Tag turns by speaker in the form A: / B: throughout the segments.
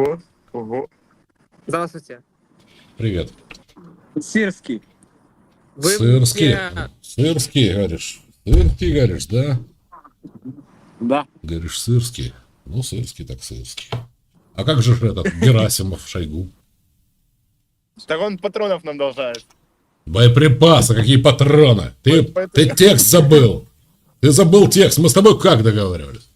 A: Ого, ого. Здравствуйте.
B: Привет.
C: Сирский.
A: Вы
B: Сырский.
A: мне-
B: Сырский, говоришь. Сырский, говоришь, да?
C: Да.
B: Говоришь, сырский. Ну, сырский так сырский. А как же этот Герасимов, Шойгу?
D: Так он патронов нам должает.
B: Боеприпасы, какие патроны? Ты текст забыл. Ты забыл текст. Мы с тобой как договаривались?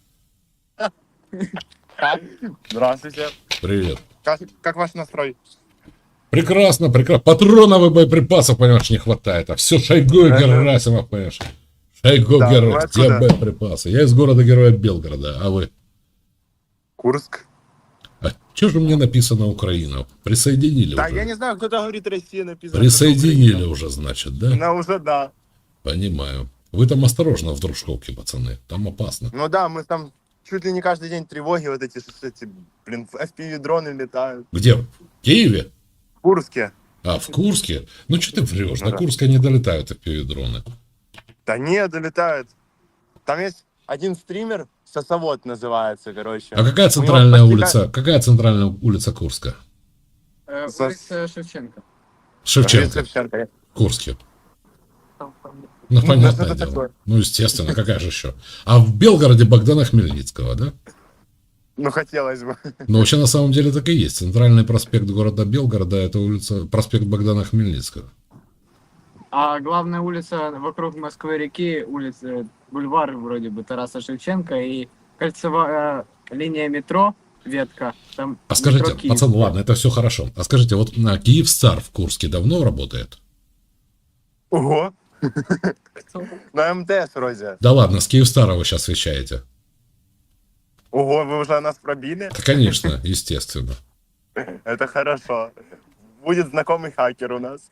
D: Здравствуйте.
B: Привет.
D: Как ваш настрой?
B: Прекрасно, прекрасно. Патронов и боеприпасов, понимаешь, не хватает. А все Шойгу и Герасимов, понимаешь. Шойгу,
D: Да, вы
B: Герасимов. Где
D: откуда?
B: боеприпасы? Я из города-героя Белгорода, а вы?
D: Курск.
B: А что же мне написано Украина? Присоединили
D: Да,
B: уже?
D: я не знаю, кто-то говорит Россия написано.
B: Присоединили уже, значит, да?
D: Ну, уже да.
B: Понимаю. Вы там осторожно в Дружковке, пацаны. Там опасно.
D: Ну да, мы там чуть ли не каждый день тревоги вот эти, блин, FPV-дроны летают.
B: Где? В Киеве?
D: В Курске.
B: А, в Курске? Ну, что ты врешь?
D: Ну
B: До
D: да.
B: Курска не долетают FPV-дроны.
D: Да не, долетают. Там есть один стример, Сосовод называется, короче.
B: А какая
D: У него
B: центральная
D: почти
B: улица? Какая центральная улица Курска?
C: Улица Шевченко.
B: Шевченко.
D: Шевченко.
B: В Курске. Ну,
D: Ну,
B: понятное
D: что-то
B: дело.
D: такое.
B: Ну, естественно, какая же еще? А в Белгороде Богдана Хмельницкого, да?
D: Ну, хотелось бы.
B: Но вообще на самом деле так и есть. Центральный проспект города Белгорода — это улица, проспект Богдана Хмельницкого.
C: А главная улица вокруг Москвы-реки, улица, бульвар вроде бы Тараса Шевченко и кольцевая линия метро, ветка. Там
B: А скажите,
C: метро Киев.
B: пацан, ладно, это все хорошо. А скажите, вот на Киевстар в Курске давно работает?
D: Ого. На МТС вроде.
B: Да ладно, с Киевстара вы сейчас вещаете.
D: Ого, вы уже нас пробили?
B: Да, конечно, естественно.
D: Это хорошо. Будет знакомый хакер у нас.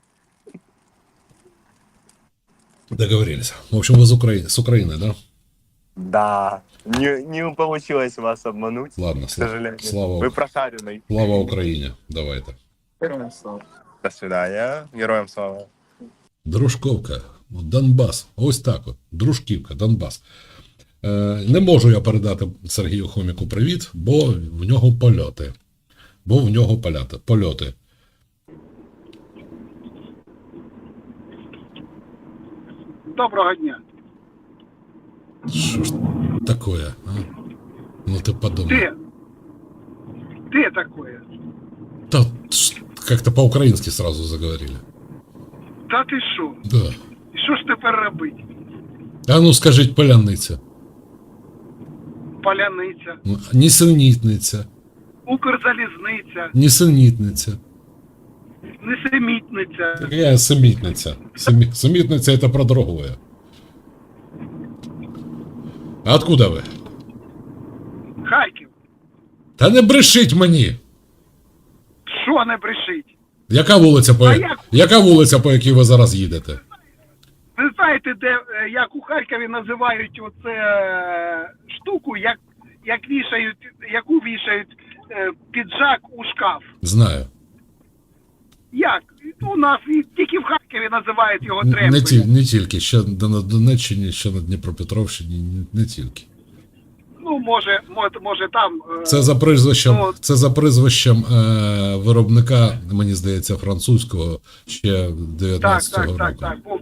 B: Договорились. В общем, вы с Украины, да?
D: Да. Не получилось вас обмануть,
B: Ладно,
D: к сожалению.
B: слава
D: Вы прошаренный.
B: Україні. Давайте.
C: Героям слава.
D: До свидания. Героям слава.
B: Дружковка, Донбас. Ось так от. Дружківка, Донбас. Не можу я передати Сергію Хоміку привіт, бо в нього польоти. Польоти.
E: Доброго дня.
B: Що ж такое, а? Ну ты подумай.
E: Ты такое?
B: Да, как-то по-украински сразу заговорили.
E: Та ти що?
B: Да.
E: І що ж тепер робити?
B: А ну скажіть поляниця.
E: Поляниця,
B: Нісенітниця.
E: Укрзалізниця,
B: Нісенітниця.
E: Несемітниця.
B: Какая семітниця? Семітниця это про другое. А откуда ви?
E: Харків.
B: Та не брешіть мені!
E: Що не брешить?
B: Яка вулиця, по якій ви зараз їдете?
E: Ви знаєте, як у Харкові називають оце штуку, яку вішають піджак у шкаф?
B: Знаю.
E: Як? У нас тільки в Харкові називають його тремкою.
B: Не тільки, ще на Донеччині, ще на Дніпропетровщині, не тільки.
E: Ну, може там...
B: Це за прізвищем виробника, мені здається, французького, ще 19-го року.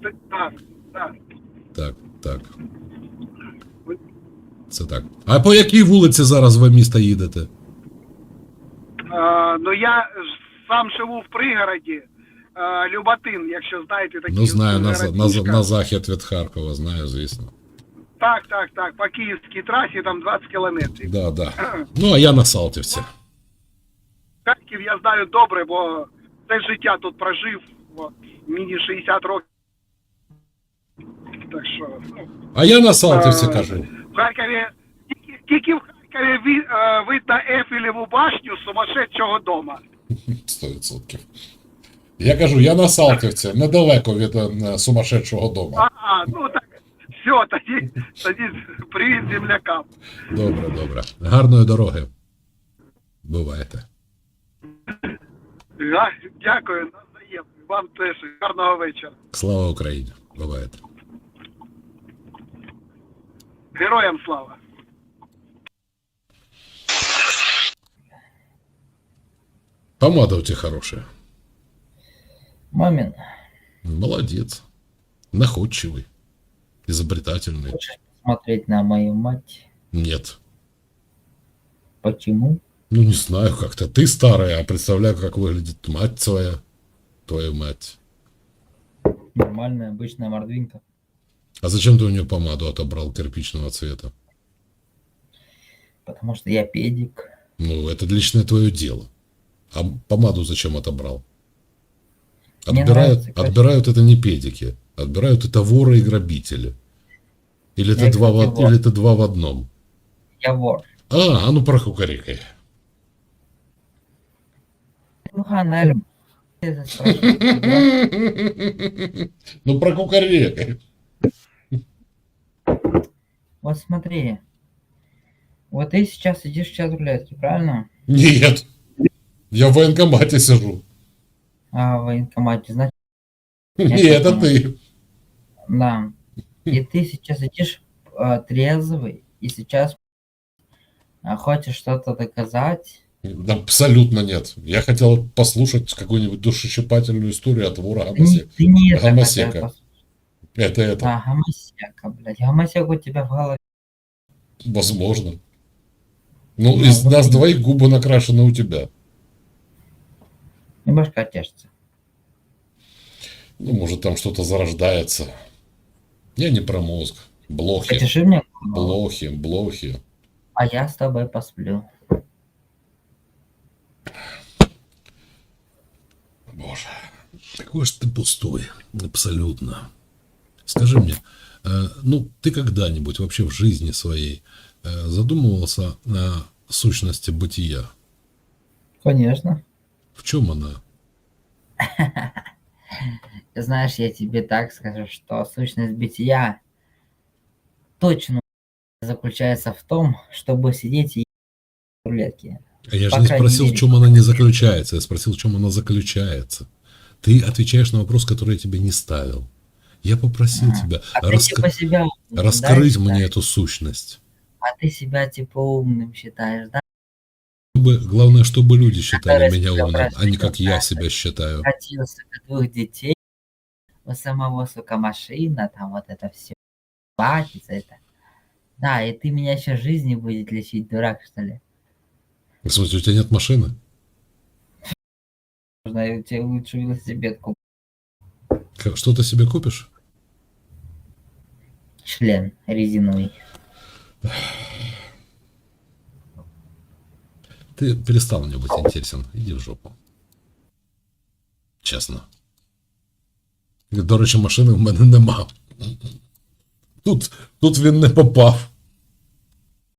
B: Так. Це так. А по якій вулиці зараз ви міста їдете?
E: Ну, я сам живу в пригороді, Люботин, якщо знаєте такі.
B: Ну, знаю,
E: городишка.
B: на захід від Харкова, знаю, звісно.
E: Так, по київській трасі там 20 кілометрів.
B: Да. Ну, а я на Салтівці.
E: Харків я знаю добре, бо все життя тут прожив, от, мені 60 років. Так що, ну,
B: А я на Салтівці кажу.
E: в Харкові, тільки в Харкові видно Ейфелеву башню сумасшедшого дома.
B: 100%. Я кажу, я на Салтівці, недалеко від сумасшедшого дому.
E: Ну так, все, тоді привіт землякам.
B: Добре. Гарної дороги. Бувайте.
E: Дякую, навзаєм. Вам теж гарного вечора.
B: Слава Україні. Бувайте.
E: Героям слава.
B: Помада у тебя хорошая.
F: Мамин,
B: Молодец. Находчивый. Изобретательный.
F: хочешь посмотреть на мою мать?
B: Нет.
F: Почему?
B: Ну, не знаю, как-то. Ты старая, а представляю, как выглядит мать твоя. Твою мать.
F: Нормальная, обычная мордвинка.
B: А зачем ты у нее помаду отобрал кирпичного цвета?
F: Потому что я педик.
B: Ну, это личное твое дело. А помаду зачем отобрал?
F: Мне
B: Отбирают,
F: нравится красиво.
B: отбирают это не педики. Отбирают это воры и грабители. Или это,
F: Я,
B: два
F: кстати,
B: в,
F: вор.
B: или это два в одном.
F: Я вор.
B: А ну прокукарекай.
F: Ну, Ханель, ты это спрашиваешь, да?
B: Ну прокукарекай.
F: Вот смотри. Вот ты сейчас сидишь в чат рулетки, правильно?
B: Нет. Я в военкомате сижу.
F: А в военкомате, значит,
B: Нет, это
F: понял.
B: ты.
F: Да. И ты сейчас сидишь трезвый, и сейчас хочешь что-то доказать.
B: Да, абсолютно нет. Я хотел послушать какую-нибудь душещипательную историю от вора
F: Ты не это
B: Гомосека.
F: хотел послушать.
B: Это,
F: Да, гомосека, блядь. Гомосек у тебя в голове.
B: возможно. Ну,
F: Ну,
B: из
F: вот
B: нас
F: именно.
B: двоих губы накрашены у тебя.
F: И башка тешится.
B: Ну, может, там что-то зарождается. Я не про мозг. Блохи.
F: Потеши мне голову,
B: Блохи.
F: а я с тобой посплю.
B: Боже. Какой же ты пустой. Абсолютно. Скажи мне, ну, ты когда-нибудь вообще в жизни своей задумывался о сущности бытия?
F: Конечно.
B: В чем она?
F: Знаешь, я тебе так скажу, что сущность бытия точно заключается в том, чтобы сидеть и в рулетке.
B: А я же
F: По
B: не
F: крайней
B: спросил, в
F: мере,
B: чем она не заключается. Я спросил, в чем она заключается. Ты отвечаешь на вопрос, который я тебе не ставил. Я попросил тебя
F: А ты типа себя умным,
B: раскрыть
F: да,
B: мне
F: считаешь?
B: эту сущность.
F: А ты себя типа умным считаешь, да?
B: Главное, чтобы люди считали
F: Который
B: меня
F: себя
B: умным, а не
F: простил,
B: как я
F: да,
B: себя считаю.
F: Катился от двух детей, у самого, сука, машина, там вот это все, платится это. Да, и ты меня еще жизни будет лечить, дурак, что ли?
B: В смысле, у тебя нет машины?
F: Можно я тебе лучше велосипед куплю.
B: Что ты себе купишь?
F: Член резиновый.
B: Ты перестал мне быть интересен. Иди в жопу. Чесно. До речі, машини в мене нема. Тут він не попав.